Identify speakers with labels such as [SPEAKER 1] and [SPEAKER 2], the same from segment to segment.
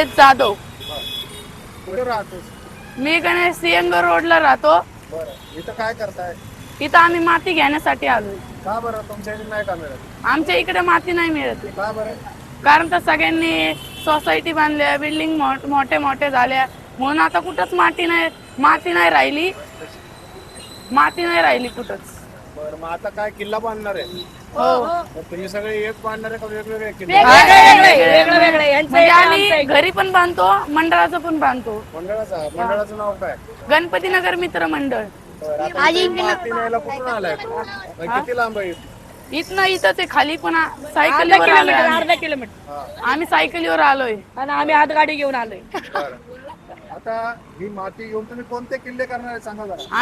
[SPEAKER 1] जयेश जाधव.
[SPEAKER 2] कुठे राहतोस?
[SPEAKER 1] मी गणेश सिंहगड रोडला राहतो.
[SPEAKER 2] बरं, इथं काय करताय?
[SPEAKER 1] इथं आम्ही माती घेण्यासाठी आलोय.
[SPEAKER 2] का बरं तुमच्या इथे नाही का मिळत?
[SPEAKER 1] आमच्या इकडे माती नाही मिळत.
[SPEAKER 2] का बरं?
[SPEAKER 1] कारण तर सगळ्यांनी सोसायटी बांधल्या, बिल्डिंग मोठे मोठे झाल्या, म्हणून आता कुठंच माती नाही राहिली. माती नाही राहिली कुठंच.
[SPEAKER 2] बरं, मग आता काय किल्ला बांधणार आहे?
[SPEAKER 1] हो.
[SPEAKER 2] तर तुम्ही सगळे एक बांधणार आहे का वेगवेगळे किल्ले?
[SPEAKER 1] म्हणजे आम्ही घरी पण बांधतो, मंडळाचं पण बांधतो.
[SPEAKER 2] मंडळाचं नाव काय?
[SPEAKER 1] गणपतीनगर मित्र मंडळ.
[SPEAKER 2] बरं, आता इथे माती न्यायला कुठून आलाय? किती लांब आहे?
[SPEAKER 1] इथंच आहे, खाली पण सायकलीवर आलोय.
[SPEAKER 3] अर्धा किलोमीटर
[SPEAKER 1] आम्ही सायकलीवर आलोय
[SPEAKER 3] आणि आम्ही हातगाडी घेऊन आलोय.
[SPEAKER 2] बरं. आता ही माती घेऊन तुम्ही कोणते किल्ले करणार आहे सांगा जरा.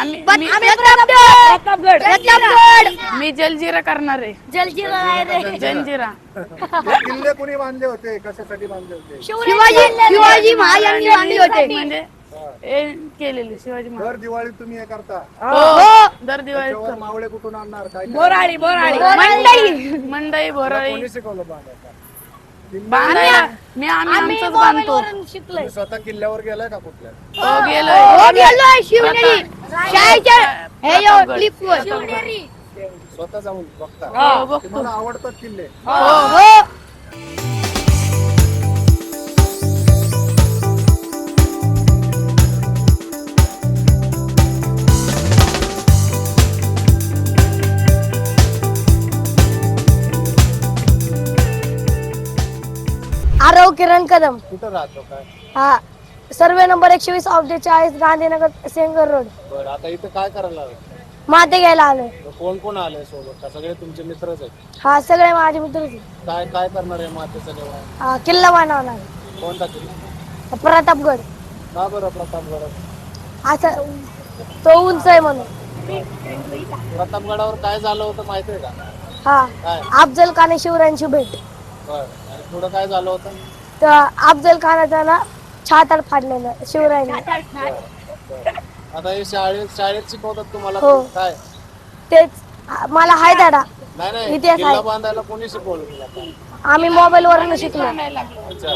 [SPEAKER 1] मी जलजिरा करणार आहे. जंजिरा.
[SPEAKER 2] हे किल्ले कुणी बांधले होते? कशासाठी बांधले होते?
[SPEAKER 3] शिवाजी महाराजांनी बांधले होते.
[SPEAKER 1] म्हणजे हे केलेले शिवाजी महाराज.
[SPEAKER 2] दर दिवाळी तुम्ही हे करता?
[SPEAKER 1] हो, दर दिवाळी
[SPEAKER 2] त्याच्यावर मावळे कुठून आणणार? काय
[SPEAKER 3] बोराळी
[SPEAKER 1] मंडई भोराळी
[SPEAKER 2] कोणी शिकवलं बांधायला?
[SPEAKER 1] बांधायला आम्ही आमचंच बांधतो.
[SPEAKER 2] तुम्ही स्वतः किल्ल्यावर गेलाय का कुठल्या?
[SPEAKER 1] हो, गेलोय.
[SPEAKER 2] स्वतः जाऊन बघता?
[SPEAKER 1] हो, बघतो.
[SPEAKER 2] तुम्हाला आवडतात किल्ले?
[SPEAKER 1] हो.
[SPEAKER 4] आरव किरण कदम.
[SPEAKER 2] कुठं राहतो काय?
[SPEAKER 4] हा, survey number 120 object 40 Gandhinagar Sengar road.
[SPEAKER 2] बरं, आता इथं काय करायला आलं?
[SPEAKER 4] माते घ्यायला आलोय.
[SPEAKER 2] कोण कोण आले सोबत? का सगळे तुमचे मित्रच आहेत?
[SPEAKER 4] हा, सगळे माझे मित्रच आहेत.
[SPEAKER 2] काय काय करणार आहे मातेचं जेवण?
[SPEAKER 4] हा, किल्ला बनवणार.
[SPEAKER 2] कोणता किल्ला?
[SPEAKER 4] प्रतापगड.
[SPEAKER 2] का बरं प्रतापगड?
[SPEAKER 4] असं तो उंच आहे म्हणून.
[SPEAKER 2] प्रतापगडावर काय झालं होतं माहितीये का?
[SPEAKER 4] हा,
[SPEAKER 2] काय?
[SPEAKER 4] अफजल खान शिवरायांची भेट.
[SPEAKER 2] बरं, आणि पुढं काय झालं होतं?
[SPEAKER 4] तर अफजल खानाचं ना छाताड फाडलेलं शिवरायांनी.
[SPEAKER 2] आता हे शाळेत शिकवतात तुम्हाला
[SPEAKER 4] हो.
[SPEAKER 2] काय?
[SPEAKER 4] तेच मला हाय दादा.
[SPEAKER 2] नाही
[SPEAKER 4] इतिहास
[SPEAKER 2] किल्ला
[SPEAKER 4] आहे.
[SPEAKER 2] बांधायला कोणी शिकवलं तुला काय?
[SPEAKER 4] आम्ही मोबाईल वरून शिकलो.
[SPEAKER 2] अच्छा.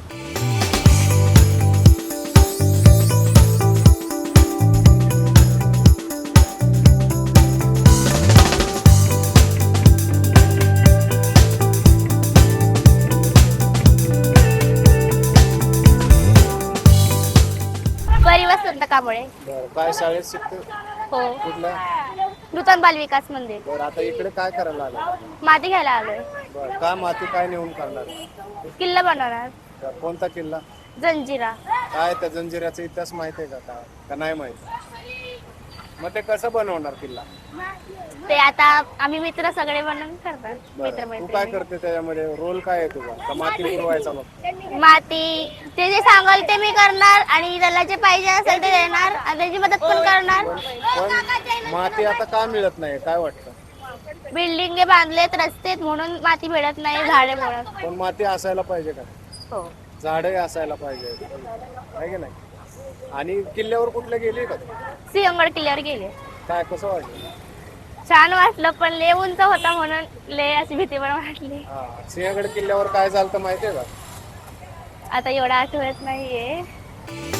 [SPEAKER 5] परिवसंत कांबळे.
[SPEAKER 2] बरं, काय शाळेत शिकतो?
[SPEAKER 5] हो,
[SPEAKER 2] कुठल्या?
[SPEAKER 5] नूतन बाल विकास मंदिर.
[SPEAKER 2] बरं, आता इकडे काय करायला आलं?
[SPEAKER 5] माती घ्यायला आलोय.
[SPEAKER 2] बरं, काय माती काय नेऊन करणार?
[SPEAKER 5] किल्ला बनवणार.
[SPEAKER 2] बरं, कोणता किल्ला?
[SPEAKER 5] जंजिरा.
[SPEAKER 2] काय त्या जंजिऱ्याचा इतिहास माहिती आहे का नाही माहिती? मग ते कसं बनवणार किल्ला?
[SPEAKER 5] ते आता आम्ही मित्र सगळे बनवून करतात.
[SPEAKER 2] बरं, तू काय
[SPEAKER 5] मित्र
[SPEAKER 2] करते त्याच्यामध्ये? रोल काय आहे तुझा? का माती पुरवायचा मग?
[SPEAKER 5] माती ते जे सांगाल ते मी करणार आणि त्याला जे पाहिजे असेल ते देणार आणि त्याची मदत पण करणार.
[SPEAKER 2] पण माती आता का मिळत नाही काय वाटतं?
[SPEAKER 5] बिल्डिंग बांधलेत, रस्ते म्हणून माती मिळत नाही, झाडे मिळत.
[SPEAKER 2] पण माती असायला पाहिजे का?
[SPEAKER 5] हो,
[SPEAKER 2] झाडे असायला पाहिजे आहे की नाही? आणि किल्ल्यावर कुठले गेले का तू?
[SPEAKER 5] सिंहगड किल्ल्यावर गेले.
[SPEAKER 2] काय कसं वाटलं?
[SPEAKER 5] छान वाटलं, पण लय उंच होता म्हणून लय अशी भीती पण वाटली.
[SPEAKER 2] हा, सिंहगड किल्ल्यावर काय झालं तर माहितीये का?
[SPEAKER 5] आता एवढं आठवत नाहीये.